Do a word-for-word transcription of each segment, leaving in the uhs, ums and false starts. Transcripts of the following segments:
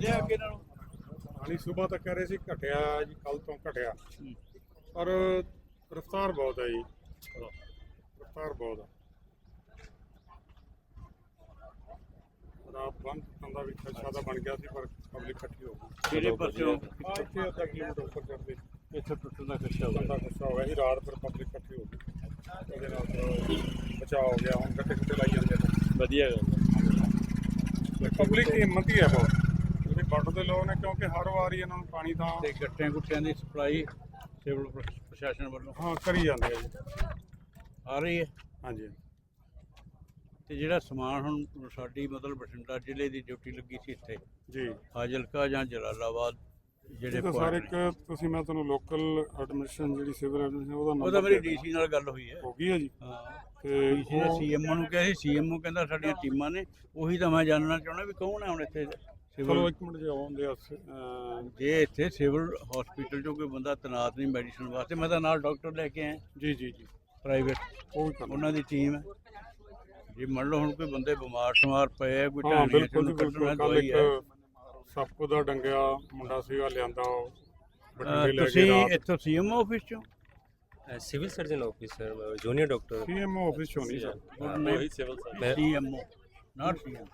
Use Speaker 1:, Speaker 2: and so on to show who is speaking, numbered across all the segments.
Speaker 1: ਵਧਿਆ ਅੱਗੇ ਨਾਲੋਂ?
Speaker 2: ਪਾਣੀ ਸੁਬਾਹ ਤੱਕ ਕਹਿ ਰਹੇ ਸੀ ਘਟਿਆ ਜੀ, ਕੱਲ ਤੋਂ ਘਟਿਆ, ਪਰ ਰਫਤਾਰ ਬਹੁਤ ਹੈ ਜੀ, ਰਫਤਾਰ ਬਹੁਤ ਹੈ। ਰਾਤ ਬੰਦ ਟੁੱਟਣ ਦਾ ਵੀ ਖਦਸ਼ਾ ਤਾਂ ਬਣ ਗਿਆ ਸੀ, ਪਰ ਪਬਲਿਕ ਇਕੱਠੀ ਹੋ ਗਈ।
Speaker 1: ਕਿਹੜੇ ਪਾਸਿਓਂ?
Speaker 2: ਆਹ ਇੱਥੇ ਅੱਧਾ ਕਿਲੋਮੀਟਰ ਉੱਪਰ ਚੜ੍ਹਦੇ
Speaker 1: ਇੱਥੇ ਟੁੱਟਣ ਦਾ ਖਦਸ਼ਾ ਹੋ
Speaker 2: ਦਾ
Speaker 1: ਗਿਆ।
Speaker 2: ਖਦਸ਼ਾ ਹੋ ਗਿਆ ਸੀ। ਰਾਤ ਫਿਰ ਪਬਲਿਕ ਇਕੱਠੀ ਹੋ ਗਈ, ਉਹਦੇ ਨਾਲ ਫਿਰ ਬਚਾਅ ਹੋ ਗਿਆ। ਹੁਣ ਗੱਟੇ ਗੁੱਟੇ ਲਾਈ ਜਾਂਦੇ ਨੇ।
Speaker 1: ਵਧੀਆ ਗੱਲ ਹੈ।
Speaker 2: ਪਬਲਿਕ ਦੀ ਹਿੰਮਤ ਹੀ ਹੈ ਬਹੁਤ, ਜਿਹੜੇ ਵੱਢ ਦੇ ਲੋਕ ਨੇ, ਕਿਉਂਕਿ ਹਰ ਵਾਰੀ ਇਹਨਾਂ ਨੂੰ ਪਾਣੀ ਤਾਂ
Speaker 1: ਤੇ ਗੱਟਿਆਂ ਗੁੱਟਿਆਂ ਦੀ ਸਪਲਾਈ ਸਿਵਲ ਪ੍ਰਸ਼ਾਸਨ ਵੱਲੋਂ
Speaker 2: ਹਾਂ ਕਰੀ ਜਾਂਦੇ ਆ ਜੀ।
Speaker 1: ਆ ਰਹੀ ਹੈ।
Speaker 2: ਹਾਂਜੀ
Speaker 1: ਤੇ ਜਿਹੜਾ ਸਮਾਨ ਹੁਣ ਸਾਡੀ ਮਤਲਬ ਬਠਿੰਡਾ ਜ਼ਿਲ੍ਹੇ ਦੀ ਡਿਊਟੀ ਲੱਗੀ ਸੀ ਇੱਥੇ
Speaker 2: ਜੀ,
Speaker 1: ਫਾਜ਼ਿਲਕਾ ਜਾਂ ਜਲਾਲਾਬਾਦ ਜਿਹੜੇ
Speaker 2: ਇਹ ਤਾਂ ਸਾਰੇ
Speaker 1: point ਨੇ,
Speaker 2: ਇੱਕ ਤੁਸੀਂ, ਮੈਂ ਤੁਹਾਨੂੰ ਲੋਕਲ ਐਡਮਿਨਿਸਟ੍ਰੇਸ਼ਨ ਜਿਹੜੀ ਸਿਵਲ ਐਡਮਿਨਿਸਟ੍ਰੇਸ਼ਨ ਉਹਦਾ
Speaker 1: ਉਹ ਤਾਂ
Speaker 2: ਨੰਬਰ
Speaker 1: ਮੇਰੀ ਡੀਸੀ ਨਾਲ ਗੱਲ ਹੋਈ ਹੈ।
Speaker 2: ਹੋ ਗਈ ਹੈ ਜੀ।
Speaker 1: ਹਾਂ,
Speaker 2: ਤੇ
Speaker 1: ਡੀਸੀ ਨੇ
Speaker 2: ਉਹ
Speaker 1: ਸੀਐਮਓ ਨੂੰ ਕਿਹਾ ਸੀ, ਸੀਐਮਓ ਕਹਿੰਦਾ ਸਾਡੀਆਂ ਟੀਮਾਂ ਨੇ। ਉਹੀ ਤਾਂ ਮੈਂ ਜਾਣਨਾ ਚਾਹੁੰਦਾ ਵੀ ਕੌਣ ਹੈ ਹੁਣ ਇੱਥੇ
Speaker 2: ਚਲੋ
Speaker 1: ਸਿਵਲ।
Speaker 2: ਇੱਕ ਮਿੰਟ ਜੇ ਆਉਂਦੇ ਆ
Speaker 1: ਜੇ ਇੱਥੇ ਸਿਵਲ ਹਸਪੀਟਲ 'ਚੋਂ ਕੋਈ ਬੰਦਾ ਤੈਨਾਤ ਨਹੀਂ ਮੈਡੀਸਨ ਵਾਸਤੇ, ਮੈਂ ਤਾਂ ਨਾਲ ਡਾਕਟਰ ਲੈ ਕੇ ਆਇਆ
Speaker 2: ਜੀ ਜੀ ਜੀ,
Speaker 1: ਪ੍ਰਾਈਵੇਟ,
Speaker 2: ਉਹ ਵੀ ਕਰਨਾ।
Speaker 1: ਉਹਨਾਂ ਦੀ ਟੀਮ ਹੈ। ਜੇ ਮੰਨ ਲਓ ਹੁਣ ਕੋਈ ਬੰਦੇ ਬਿਮਾਰ ਸ਼ਮਾਰ ਪਏ ਆ, ਕੋਈ
Speaker 2: ਹਾਂ
Speaker 1: ਢਾਣੀਆਂ
Speaker 2: ਬਿਲਕੁਲ ਜੀ,
Speaker 1: ਚੋਂ
Speaker 2: ਬਿਲਕੁਲ।
Speaker 1: ਕੱਢਣਾ
Speaker 2: ਕੱਲ
Speaker 1: ਦਵਾਈ ਹੈ।
Speaker 2: ਇੱਕ ਸੱਪ ਦਾ ਡੰਗਿਆ ਮੁੰਡਾ ਸੀਗਾ, ਲਿਆਂਦਾ ਉਹ
Speaker 1: ਅਹ
Speaker 2: ਬਠਿੰਡੇ ਲੈ
Speaker 1: ਤੁਸੀਂ
Speaker 2: ਕੇ ਰਾਤ।
Speaker 1: ਇੱਥੋਂ ਸੀਐਮਓ ਆਫਿਸ 'ਚੋੋਂ?
Speaker 3: Civil surgeon officer junior doctor
Speaker 2: CMO office ਚੋਂ ਨਹੀਂ ਸਰ।
Speaker 3: वही civil
Speaker 1: CMO not CM.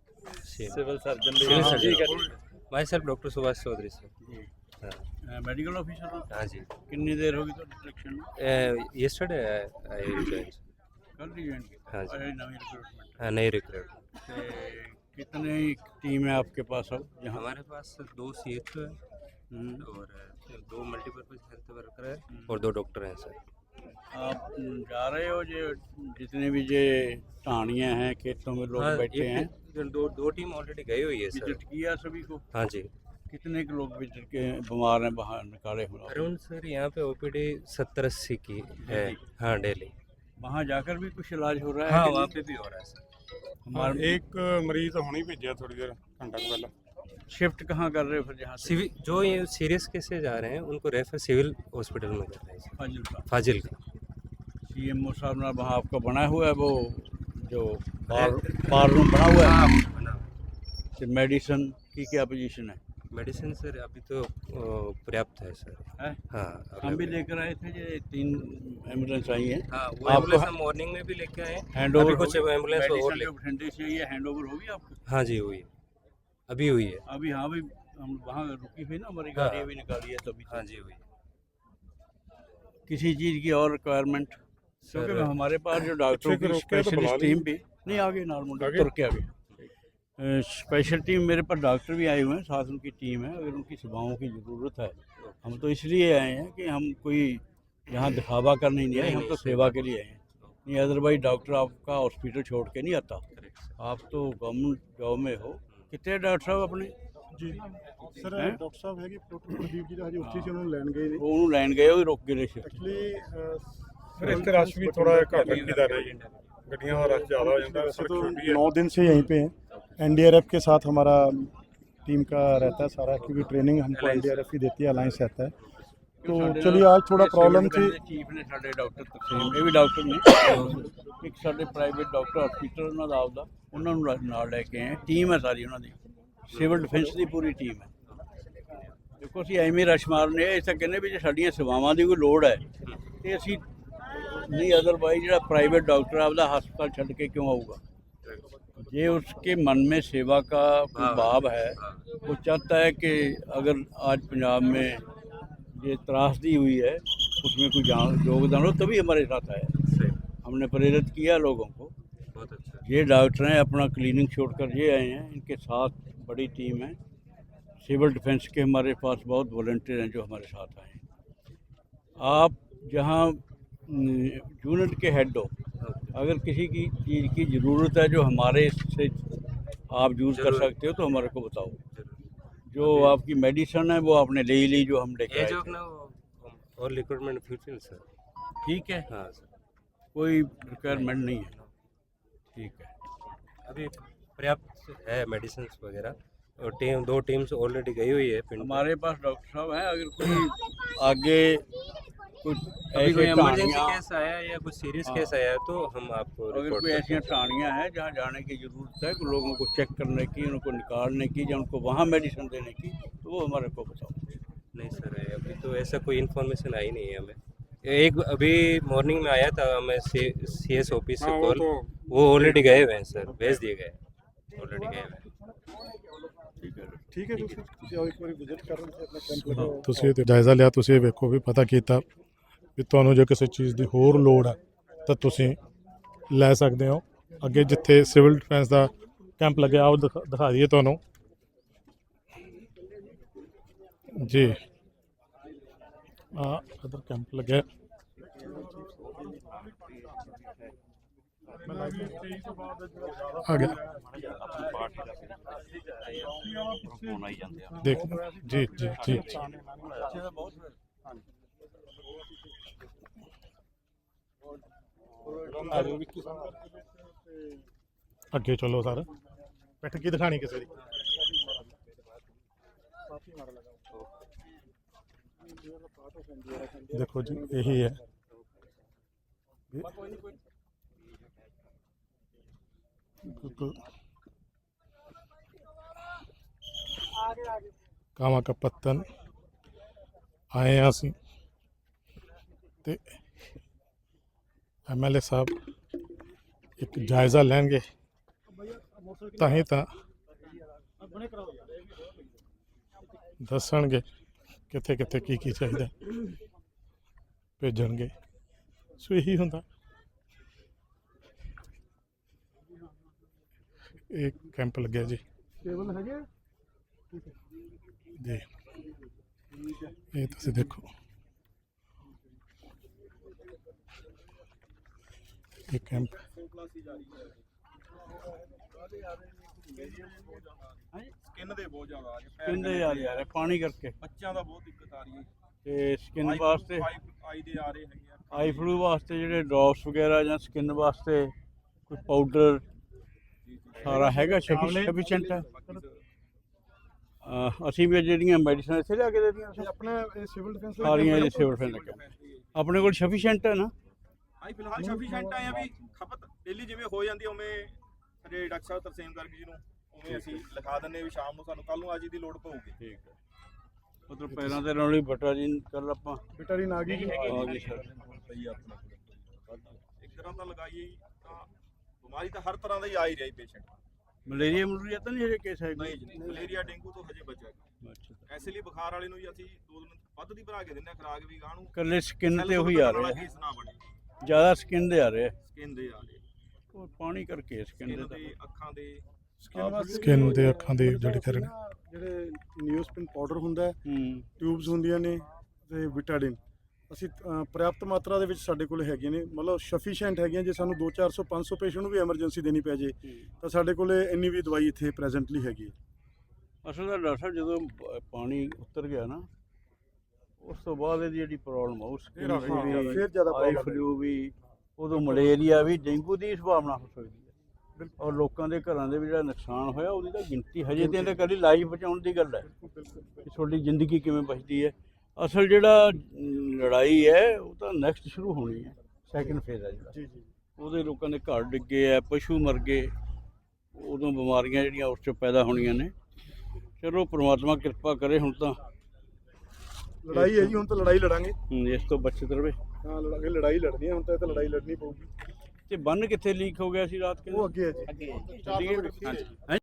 Speaker 3: Civil surgeon civil surgeon myself doctor Subhash Chaudhary sir.
Speaker 1: ਜੀ
Speaker 3: हाँ
Speaker 1: ਮੈਡੀਕਲ ਆਫਿਸਰ।
Speaker 3: हाँ जी
Speaker 1: ਕਿੰਨੀ ਦੇਰ ਹੋ ਗਈ ਤੁਹਾਡੀ ਸਿਲੈਕਸ਼ਨ ਨੂੰ?
Speaker 3: यस्टरडे आई रिजाइन
Speaker 1: ਕੱਲ ही ज्वाइन किया?
Speaker 3: हाँ जी।
Speaker 1: अरे नवी रिक्रूटमेंट।
Speaker 3: हाँ नई रिक्रूट।
Speaker 1: ते कितने टीम है आपके पास अब यहाँ?
Speaker 3: हमारे पास दो सी एच ओ है
Speaker 1: हम्म,
Speaker 3: और दो मल्टीपर्पज हेल्थ वर्कर है और दो डॉक्टर हैं सर।
Speaker 1: आप जा रहे हो जो जितने भी ये ढाणियाँ हैं खेतों में लोग
Speaker 3: हाँ,
Speaker 1: बैठे हैं,
Speaker 3: एक- दो दो टीम ऑलरेडी गई हुई है सर।
Speaker 1: विजिट किया सभी को?
Speaker 3: हाँ जी।
Speaker 1: कितने के लोग विजिट के बीमार हैं बाहर निकाले हुए?
Speaker 3: अराउंड सर यहाँ पे ओपीडी सत्तर अस्सी की है। हाँ डेली।
Speaker 1: वहाँ जाकर भी कुछ इलाज हो रहा है?
Speaker 3: हाँ
Speaker 1: कि
Speaker 3: वहाँ
Speaker 1: नहीं?
Speaker 3: पे भी हो रहा है सर।
Speaker 1: हमारे
Speaker 2: ਇੱਕ ਮਰੀਜ਼ ਹੁਣੀ ਭੇਜਿਆ ਥੋੜੀ ਦੇਰ ਘੰਟਾ ਕੁ ਪਹਿਲਾਂ।
Speaker 1: शिफ्ट कहाँ कर रहे हो फिर यहाँ से?
Speaker 3: सिविल जो ये सीरियस केसेज आ रहे हैं उनको रेफर सिविल हॉस्पिटल में कर रहे हैं
Speaker 1: फाजिल का
Speaker 3: फाजिल का।
Speaker 1: सीएमओ साहब ना वहाँ आपका बना हुआ है वो जो बार बार रूम बना हुआ है?
Speaker 3: बना
Speaker 1: तो मेडिसिन की क्या पोजीशन है?
Speaker 3: मेडिसिन सर अभी तो अ, पर्याप्त है सर।
Speaker 1: है?
Speaker 3: हाँ
Speaker 1: हम भी लेकर आए थे ये तीन एम्बुलेंस आई हैं।
Speaker 3: हाँ वो
Speaker 1: आपको-
Speaker 3: एम्बुलेंस हम मॉर्निंग में भी लेके आए हैं।
Speaker 1: हैंड
Speaker 3: अभी
Speaker 1: ओवर
Speaker 3: कुछ एम्बुलेंस और ले
Speaker 1: बठिंडे से ये हैंड ओवर होगी आपको?
Speaker 3: हाँ जी हुई है, अभी हुई है।
Speaker 1: अभी हाँ भी हम वहाँ रुकी हुई ना हमारी
Speaker 3: हाँ।
Speaker 1: गाड़ी अभी निकाली है तभी।
Speaker 3: हाँ जी हुई है।
Speaker 1: किसी चीज़ की और रिक्वायरमेंट? क्योंकि
Speaker 3: सर
Speaker 1: हमारे पास जो डॉक्टरों
Speaker 2: पीछे
Speaker 1: की
Speaker 2: से रोक के तो बुला
Speaker 1: स्पेशलिस्ट
Speaker 2: ली।
Speaker 1: टीम भी नहीं आगे नॉर्मल
Speaker 2: आगे?
Speaker 1: तुर के आगे स्पेशल टीम मेरे पास डॉक्टर भी आए हुए हैं, साथ उनकी टीम है। अगर उनकी सेवाओं की ज़रूरत है, हम तो इसलिए आए हैं कि हम कोई यहाँ दिखावा करने नहीं आए,
Speaker 3: नहीं,
Speaker 1: हम
Speaker 3: नहीं,
Speaker 1: तो
Speaker 3: सही
Speaker 1: सेवा
Speaker 3: बात
Speaker 1: के लिए आए हैं। नहीं अदरवाइज डॉक्टर आपका हॉस्पिटल छोड़ के नहीं आता।
Speaker 3: Correct sir.
Speaker 1: आप तो गवर्नमेंट जॉब में हो। कितने डॉक्टर साहब अपने?
Speaker 4: ਜੀ ਸਰ
Speaker 1: ਹੈਂ?
Speaker 4: ਡਾਕਟਰ ਸਾਹਿਬ ਹੈਗੇ ਡਾਕਟਰ ਪ੍ਰਦੀਪ ਜੀ ਦਾ ਹਜੇ ਉੱਥੇ ਸੀ, ਉਹਨਾਂ ਨੂੰ ਲੈਣ ਗਏ ਨੇ।
Speaker 1: वो उन्होंने लैंड गए वो रुक गए शिफ्ट।
Speaker 4: एक्चुअली
Speaker 2: ਫਿਰ ਇੱਥੇ ਰਸ਼ ਵੀ ਥੋੜਾ ਜਿਹਾ ਘੱਟ ਰੱਖੀਦਾ ਰਿਹਾ ਜੀ, ਗੱਡੀਆਂ ਦਾ ਰਸ਼ ਜ਼ਿਆਦਾ ਹੋ ਜਾਂਦਾ।
Speaker 4: वैसे
Speaker 2: ਸੜਕ
Speaker 4: तो
Speaker 2: ਛੋਟੀ ਹੈ।
Speaker 4: नौ दिन से यहीं पे हैं। एनडीआरएफ के साथ हमारा टीम का रहता है सारा, क्योंकि ट्रेनिंग हमको एनडीआरएफ ही देती है, अलायंस रहता है। तो चलिए आज थोड़ा प्रॉब्लम थी।
Speaker 1: चीफ ने साढ़े डॉक्टर तकसीम ਇਹ ਵੀ ਡਾਕਟਰ ਨੇ ਇੱਕ ਸਾਡੇ ਪ੍ਰਾਈਵੇਟ ਡਾਕਟਰ ਹਸਪੀਟਲ ਉਹਨਾਂ ਦਾ ਆਪਦਾ, ਉਹਨਾਂ ਨੂੰ ਨਾਲ- ਨਾਲ ਲੈ ਕੇ ਆਏ। ਟੀਮ ਹੈ ਸਾਰੀ ਉਹਨਾਂ ਦੀ, ਸਿਵਲ ਡਿਫੈਂਸ ਦੀ ਪੂਰੀ ਟੀਮ ਹੈ। ਦੇਖੋ ਅਸੀਂ ਐਵੇਂ ਰਸ਼ ਮਾਰਨੇ ਇਹ ਤਾਂ ਕਹਿੰਦੇ ਵੀ ਜੇ ਸਾਡੀਆਂ ਸੇਵਾਵਾਂ ਦੀ ਕੋਈ ਲੋੜ ਹੈ ਤੇ ਅਸੀਂ ਨਹੀਂ, ਅਦਰਵਾਈਜ਼ ਜਿਹੜਾ ਪ੍ਰਾइवेट डॉक्टर आपदा हस्पताल छड़ के क्यों आऊगा? ये उसके मन में सेवा का कोई भाव है, वो चाहता है कि अगर आज पंजाब में ये त्रासदी हुई है उसमें कोई जान योगदान हो, तभी हमारे साथ आया।
Speaker 3: सही
Speaker 1: हमने प्रेरित किया लोगों को।
Speaker 3: बहुत अच्छा।
Speaker 1: ये डॉक्टर हैं अपना क्लिनिक छोड़कर ये आए हैं, इनके साथ बड़ी टीम है। सिविल डिफेंस के हमारे पास बहुत वॉलंटियर हैं जो हमारे साथ आए हैं। आप जहाँ यूनिट के हेड हो, अगर किसी की चीज़ की ज़रूरत है जो हमारे से आप यूज़ कर
Speaker 3: जरूर।
Speaker 1: सकते हो तो हमारे को बताओ।
Speaker 3: जरूर।
Speaker 1: जो आपकी मेडिसिन है वो आपने ले ही ली जो हम लेके
Speaker 3: ये
Speaker 1: आए
Speaker 3: जो
Speaker 1: थे।
Speaker 3: अपना वो- और रिक्रूटमेंट फ्यूचर सर।
Speaker 1: ठीक है,
Speaker 3: हाँ सर
Speaker 1: कोई रिक्वायरमेंट नहीं है। ठीक है,
Speaker 3: अभी पर्याप्त है मेडिसिन वगैरह और टीम दो टीम्स ऑलरेडी गई हुई है पिंड में।
Speaker 1: हमारे पास डॉक्टर साहब हैं। अगर कोई आगे कोई
Speaker 3: अभी कोई
Speaker 1: ऐसे
Speaker 3: इमरजेंसी
Speaker 1: कहानियाँ
Speaker 3: केस आया या कुछ सीरियस
Speaker 1: हाँ।
Speaker 3: केस आया तो हम आपको
Speaker 1: अगर
Speaker 3: रिपोर्ट
Speaker 1: कोई
Speaker 3: करते
Speaker 1: ऐसी कहानियाँ हैं जहाँ जाने की ज़रूरत है कि लोगों को चेक करने की, उनको निकालने की या उनको वहाँ मेडिसिन देने की, तो वो हमारे को बताओ।
Speaker 3: हैं। नहीं सर, अभी तो ऐसा कोई इन्फॉर्मेशन आई नहीं है हमें। एक अभी मॉर्निंग में आया था हमें सी एस ऑफिस
Speaker 2: हाँ
Speaker 3: से
Speaker 2: वो
Speaker 3: कॉल,
Speaker 2: तो
Speaker 3: वो ऑलरेडी गए हुए हैं सर, भेज दिए गए ऑलरेडी गए हुए हैं।
Speaker 1: ठीक है
Speaker 4: ठीक है ਤੁਸੀਂ ਤੁਸੀਂ ਆਓ ਇੱਕ ਵਾਰੀ ਵਿਜ਼ਿਟ ਕਰਨ ਤੇ ਆਪਣਾ ਕੈਂਪ ਲਗਾਓ
Speaker 5: ਤੁਸੀਂ ਇਹ ਜਾਇਜ਼ਾ ਲਿਆ, ਤੁਸੀਂ ਇਹ ਵੇਖੋ ਵੀ ਪਤਾ ਕੀਤਾ ਵੀ ਤੁਹਾਨੂੰ ਜੇ ਕਿਸੇ ਚੀਜ਼ ਦੀ ਹੋਰ ਲੋੜ ਹੈ ਤਾਂ ਤੁਸੀਂ ਲੈ ਸਕਦੇ ਹੋ। ਅੱਗੇ ਜਿੱਥੇ ਸਿਵਲ ਡਿਫੈਂਸ ਦਾ ਕੈਂਪ ਲੱਗਿਆ ਉਹ ਦਿਖਾ ਦਿਖਾ ਦਈਏ ਤੁਹਾਨੂੰ ਜੀ। ਆ ਅਦਰ ਕੈਂਪ ਲੱਗਿਆ ਆ ਗਿਆ
Speaker 1: फोन आई जाते हैं
Speaker 5: ਦੇਖ ਜੀ ਜੀ ਜੀ ਅੱਗੇ ਚਲੋ ਸਰ, ਬੈਠ ਕੇ ਦਿਖਾਣੀ ਕਿਸੇ ਦੀ ਦੇਖੋ ਜੀ ਇਹੀ ਹੈ ਬਿਲਕੁਲ ਕਾਵਾਂ ਕਾ ਪੱਤਨ ਆਏ ਹਾਂ ਅਸੀਂ ਤੇ ਐਮ ਐਲ ਏ ਸਾਹਿਬ ਇੱਕ ਜਾਇਜ਼ਾ ਲੈਣਗੇ ਤਾਂ ਹੀ ਤਾਂ ਦੱਸਣਗੇ ਕਿੱਥੇ ਕਿੱਥੇ ਕੀ ਕੀ ਚਾਹੀਦਾ ਭੇਜਣਗੇ। ਸੋ ਇਹੀ ਹੁੰਦਾ ਇਹ ਕੈਂਪ ਲੱਗਿਆ ਜੀ
Speaker 4: ਟੇਬਲ ਹੈਗੇ
Speaker 5: ਜੀ। ਇਹ ਤੁਸੀਂ ਦੇਖੋ ਇਹ ਕੈਂਪ
Speaker 2: ਸਕਿਨ ਦੇ ਬਹੁਤ ਜ਼ਿਆਦਾ ਆ ਰਹੇ
Speaker 1: स्किन दे यार यार पानी करके
Speaker 2: ਬੱਚਿਆਂ ਦਾ ਬਹੁਤ ਦਿੱਕਤ ਆ ਰਹੀ ਹੈ
Speaker 1: ਤੇ ਸਕਿਨ ਵਾਸਤੇ
Speaker 2: ਆਈ ਦੇ ਆ ਰਹੇ ਹੈਗੇ ਆ
Speaker 1: ਆਈ ਫਲੂ ਵਾਸਤੇ ਜਿਹੜੇ ਡ੍ਰੌਪਸ ਵਗੈਰਾ ਜਾਂ ਸਕਿਨ ਵਾਸਤੇ ਕੋਈ ਪਾਊਡਰ ਸਾਰਾ ਹੈਗਾ ਸਫੀਸ਼ੀਐਂਟ ਹੈ। ਅਹ ਅਸੀਂ ਵੀ ਜਿਹੜੀਆਂ ਮੈਡੀਸਨ ਇੱਥੇ ਲਿਆ ਕੇ ਦੇ ਦੀਆਂ
Speaker 4: ਇਹ ਆਪਣਾ ਇਹ ਸਿਵਲ ਡਿਫੈਂਸ
Speaker 1: ਸਾਰੀਆਂ ਇਹ ਸਿਵਲ ਫੈਨ ਆਪਣੇ ਕੋਲ ਸਫੀਸ਼ੀਐਂਟ ਹੈ ਨਾ।
Speaker 6: ਹਾਂ ਫਿਲਹਾਲ ਸਫੀਸ਼ੀਐਂਟ ਆ ਵੀ ਖਪਤ ਡੇਲੀ ਜਿਵੇਂ ਹੋ ਜਾਂਦੀ ਆ, ਉਵੇਂ ਸਾਡੇ ਡਾਕਟਰ ਸਾਹਿਬ ਤਰਸੇਮ ਗਰਗ ਜੀ ਨੂੰ ਉਵੇਂ ਅਸੀਂ ਲਿਖਾ ਦਿੰਦੇ ਵੀ ਸ਼ਾਮ ਨੂੰ ਸਾਨੂੰ ਕੱਲ ਨੂੰ ਅੱਜ ਦੀ ਲੋੜ ਪਊਗੀ।
Speaker 1: ਠੀਕ ਹੈ ਮਤਲਬ ਪੈਰਾਂ ਤੇ ਨਾਲ ਹੀ ਬਟਾ ਜੀ ਕੱਲ ਆਪਾਂ
Speaker 4: ਵਿਟਾਰਿਨ ਆ ਗਈ ਜੀ
Speaker 1: ਆ ਗਏ ਸਰ।
Speaker 6: ਸਹੀ ਆ ਆਪਣਾ ਇੱਕ ਤਰ੍ਹਾਂ ਤਾਂ ਲਗਾਈਏ ਹੀ ਤਾਂ ਬਿਮਾਰੀ ਤਾਂ ਹਰ ਤਰ੍ਹਾਂ ਦਾ ਹੀ ਆ ਹੀ ਰਹੀ ਪੇਸ਼ੈਂਟ।
Speaker 1: ਮਲੇਰੀਆ ਮਲੂਰੀਆ ਤਾਂ ਨਹੀਂ ਹਜੇ ਕੇਸ ਹੈ
Speaker 6: ਨਹੀਂ ਜੀ, ਮਲੇਰੀਆ ਡੇਂਗੂ ਤੋਂ ਹਜੇ ਬਚਿਆ ਗਿਆ।
Speaker 1: ਅੱਛਾ
Speaker 6: ਐਸੇ ਲਈ ਬੁਖਾਰ ਵਾਲੇ ਨੂੰ ਵੀ ਅਸੀਂ ਦੋ ਦਿਨ ਵੱਧ ਦੀ ਬਣਾ ਕੇ ਦਿੰਦੇ ਆ ਖੁਰਾਕ ਵੀ ਗਾਹ ਨੂੰ
Speaker 1: ਕੱਲੇ ਸਕਿਨ ਤੇ ਉਹੀ ਆ ਰਹੇ
Speaker 6: ਕੇਸ ਨਾ ਬਣੇ,
Speaker 1: ਜ਼ਿਆਦਾ ਸਕਿਨ ਦੇ ਆ ਰਹੇ
Speaker 6: ਸਕਿਨ ਦੇ ਆ ਰਹੇ,
Speaker 1: ਉਹ ਪਾਣੀ ਕਰਕੇ ਸਕਿਨ ਦੇ
Speaker 6: ਸਕਿਨ
Speaker 1: ਤਾਂ
Speaker 6: ਦੇ ਅੱਖਾਂ ਦੇ
Speaker 4: ਸਕਿਨ ਵਾਸਤੇ
Speaker 5: Skin ਦੇ ਅੱਖਾਂ ਦੇ ਜਿਹੜੇ ਕਰਨ
Speaker 4: ਜਿਹੜੇ ਨਿਊਸਪਿਨ ਪਾਊਡਰ ਹੁੰਦਾ ਹੈ,
Speaker 1: ਹੂੰ
Speaker 4: ਟਿਊਬਸ ਹੁੰਦੀਆਂ ਨੇ ਤੇ ਵਿਟਾਡਿਨ ਅਸੀਂ ਅ, ਪ੍ਰਾਪਤ ਮਾਤਰਾ ਦੇ ਵਿੱਚ ਸਾਡੇ ਕੋਲ ਹੈਗੀਆਂ ਨੇ, ਮਤਲਬ ਸਫੀਸ਼ੀਐਂਟ ਹੈਗੀਆਂ। ਜੇ ਸਾਨੂੰ ਦੋ ਚਾਰ ਸੌ ਪੰਜ ਸੌ ਪੇਸ਼ੈਂਟ ਨੂੰ ਵੀ ਐਮਰਜੈਂਸੀ ਦੇਣੀ ਪੈ ਜੇ ਤਾਂ ਸਾਡੇ ਕੋਲ ਇੰਨੀ ਵੀ ਦਵਾਈ ਇੱਥੇ ਪ੍ਰੈਜ਼ੈਂਟਲੀ ਹੈਗੀ ਹੈ।
Speaker 1: ਅਸਲ ਦਾ ਡਾਕਟਰ ਸਾਹਿਬ ਜਦੋਂ ਪ- ਪਾਣੀ ਉਤਰ ਗਿਆ ਨਾ ਉਸ ਤੋਂ ਬਾਅਦ ਇਹਦੀ ਜਿਹੜੀ ਪ੍ਰੋਬਲਮ ਆ ਉਸ
Speaker 2: ਫਿਰ ਆ ਗਈ,
Speaker 1: ਵੀ
Speaker 4: ਫਿਰ ਜ਼ਿਆਦਾ
Speaker 1: ਆਈ
Speaker 4: problem
Speaker 1: ਫਲੂ ਵੀ ਉਦੋਂ ਮਲੇਰੀਆ ਵੀ ਡੇਂਗੂ ਦੀ ਸੰਭਾਵਨਾ ਹੋ ਸਕਦੀ ਹੈ ਔਰ ਲੋਕਾਂ ਦੇ ਘਰਾਂ ਦੇ ਵੀ ਜਿਹੜਾ ਨੁਕਸਾਨ ਹੋਇਆ ਉਹਦੀ ਤਾਂ ਗਿਣਤੀ ਹਜੇ ਤੇ ਇਹਦੇ ਕਦੀ ਲਾਈਫ ਬਚਾਉਣ ਦੀ ਗੱਲ ਹੈ ਕਿ ਤੁਹਾਡੀ ਜ਼ਿੰਦਗੀ ਕਿਵੇਂ ਬਚਦੀ ਹੈ। ਅਸਲ ਜਿਹੜਾ ਅਮ, ਲੜਾਈ ਹੈ ਉਹ ਤਾਂ ਨੈਕਸਟ ਸ਼ੁਰੂ ਹੋਣੀ ਹੈ, ਸੈਕਿੰਡ ਫੇਜ਼ ਹੈ ਜਿਹੜਾ
Speaker 4: ਜੀ ਜੀ
Speaker 1: ਉਹਦੇ ਲੋਕਾਂ ਦੇ ਘਰ ਡਿੱਗੇ ਆ, ਪਸ਼ੂ ਮਰ ਗਏ, ਉਦੋਂ ਬਿਮਾਰੀਆਂ ਜਿਹੜੀਆਂ ਉਸ 'ਚੋਂ ਪੈਦਾ ਹੋਣੀਆਂ ਨੇ। ਚਲੋ ਪ੍ਰਮਾਤਮਾ ਕਿਰਪਾ ਕਰੇ ਹੁਣ ਤਾਂ
Speaker 4: ਲੜਾਈ ਹੈ ਜੀ, ਹੁਣ ਤਾਂ ਲੜਾਈ ਲੜਾਂਗੇ।
Speaker 1: ਹਮ, ਇਸ ਤੋਂ ਬਚਤ ਰਵੇ।
Speaker 4: ਹਾਂ ਲੜਾਂਗੇ, ਲੜਾਈ ਲੜਨੀ ਹੈ ਹੁਣ ਤਾਂ, ਇਹ ਤਾਂ ਲੜਾਈ ਲੜਨੀ ਪਊਗੀ।
Speaker 1: ਤੇ ਬੰਨ ਕਿੱਥੇ ਲੀਕ ਹੋ ਗਿਆ ਸੀ ਰਾਤ
Speaker 4: ਉਹ ਅੱਗੇ ਹੈ ਜੀ
Speaker 1: ਚੱਲੀਏ? ਹੈਂ?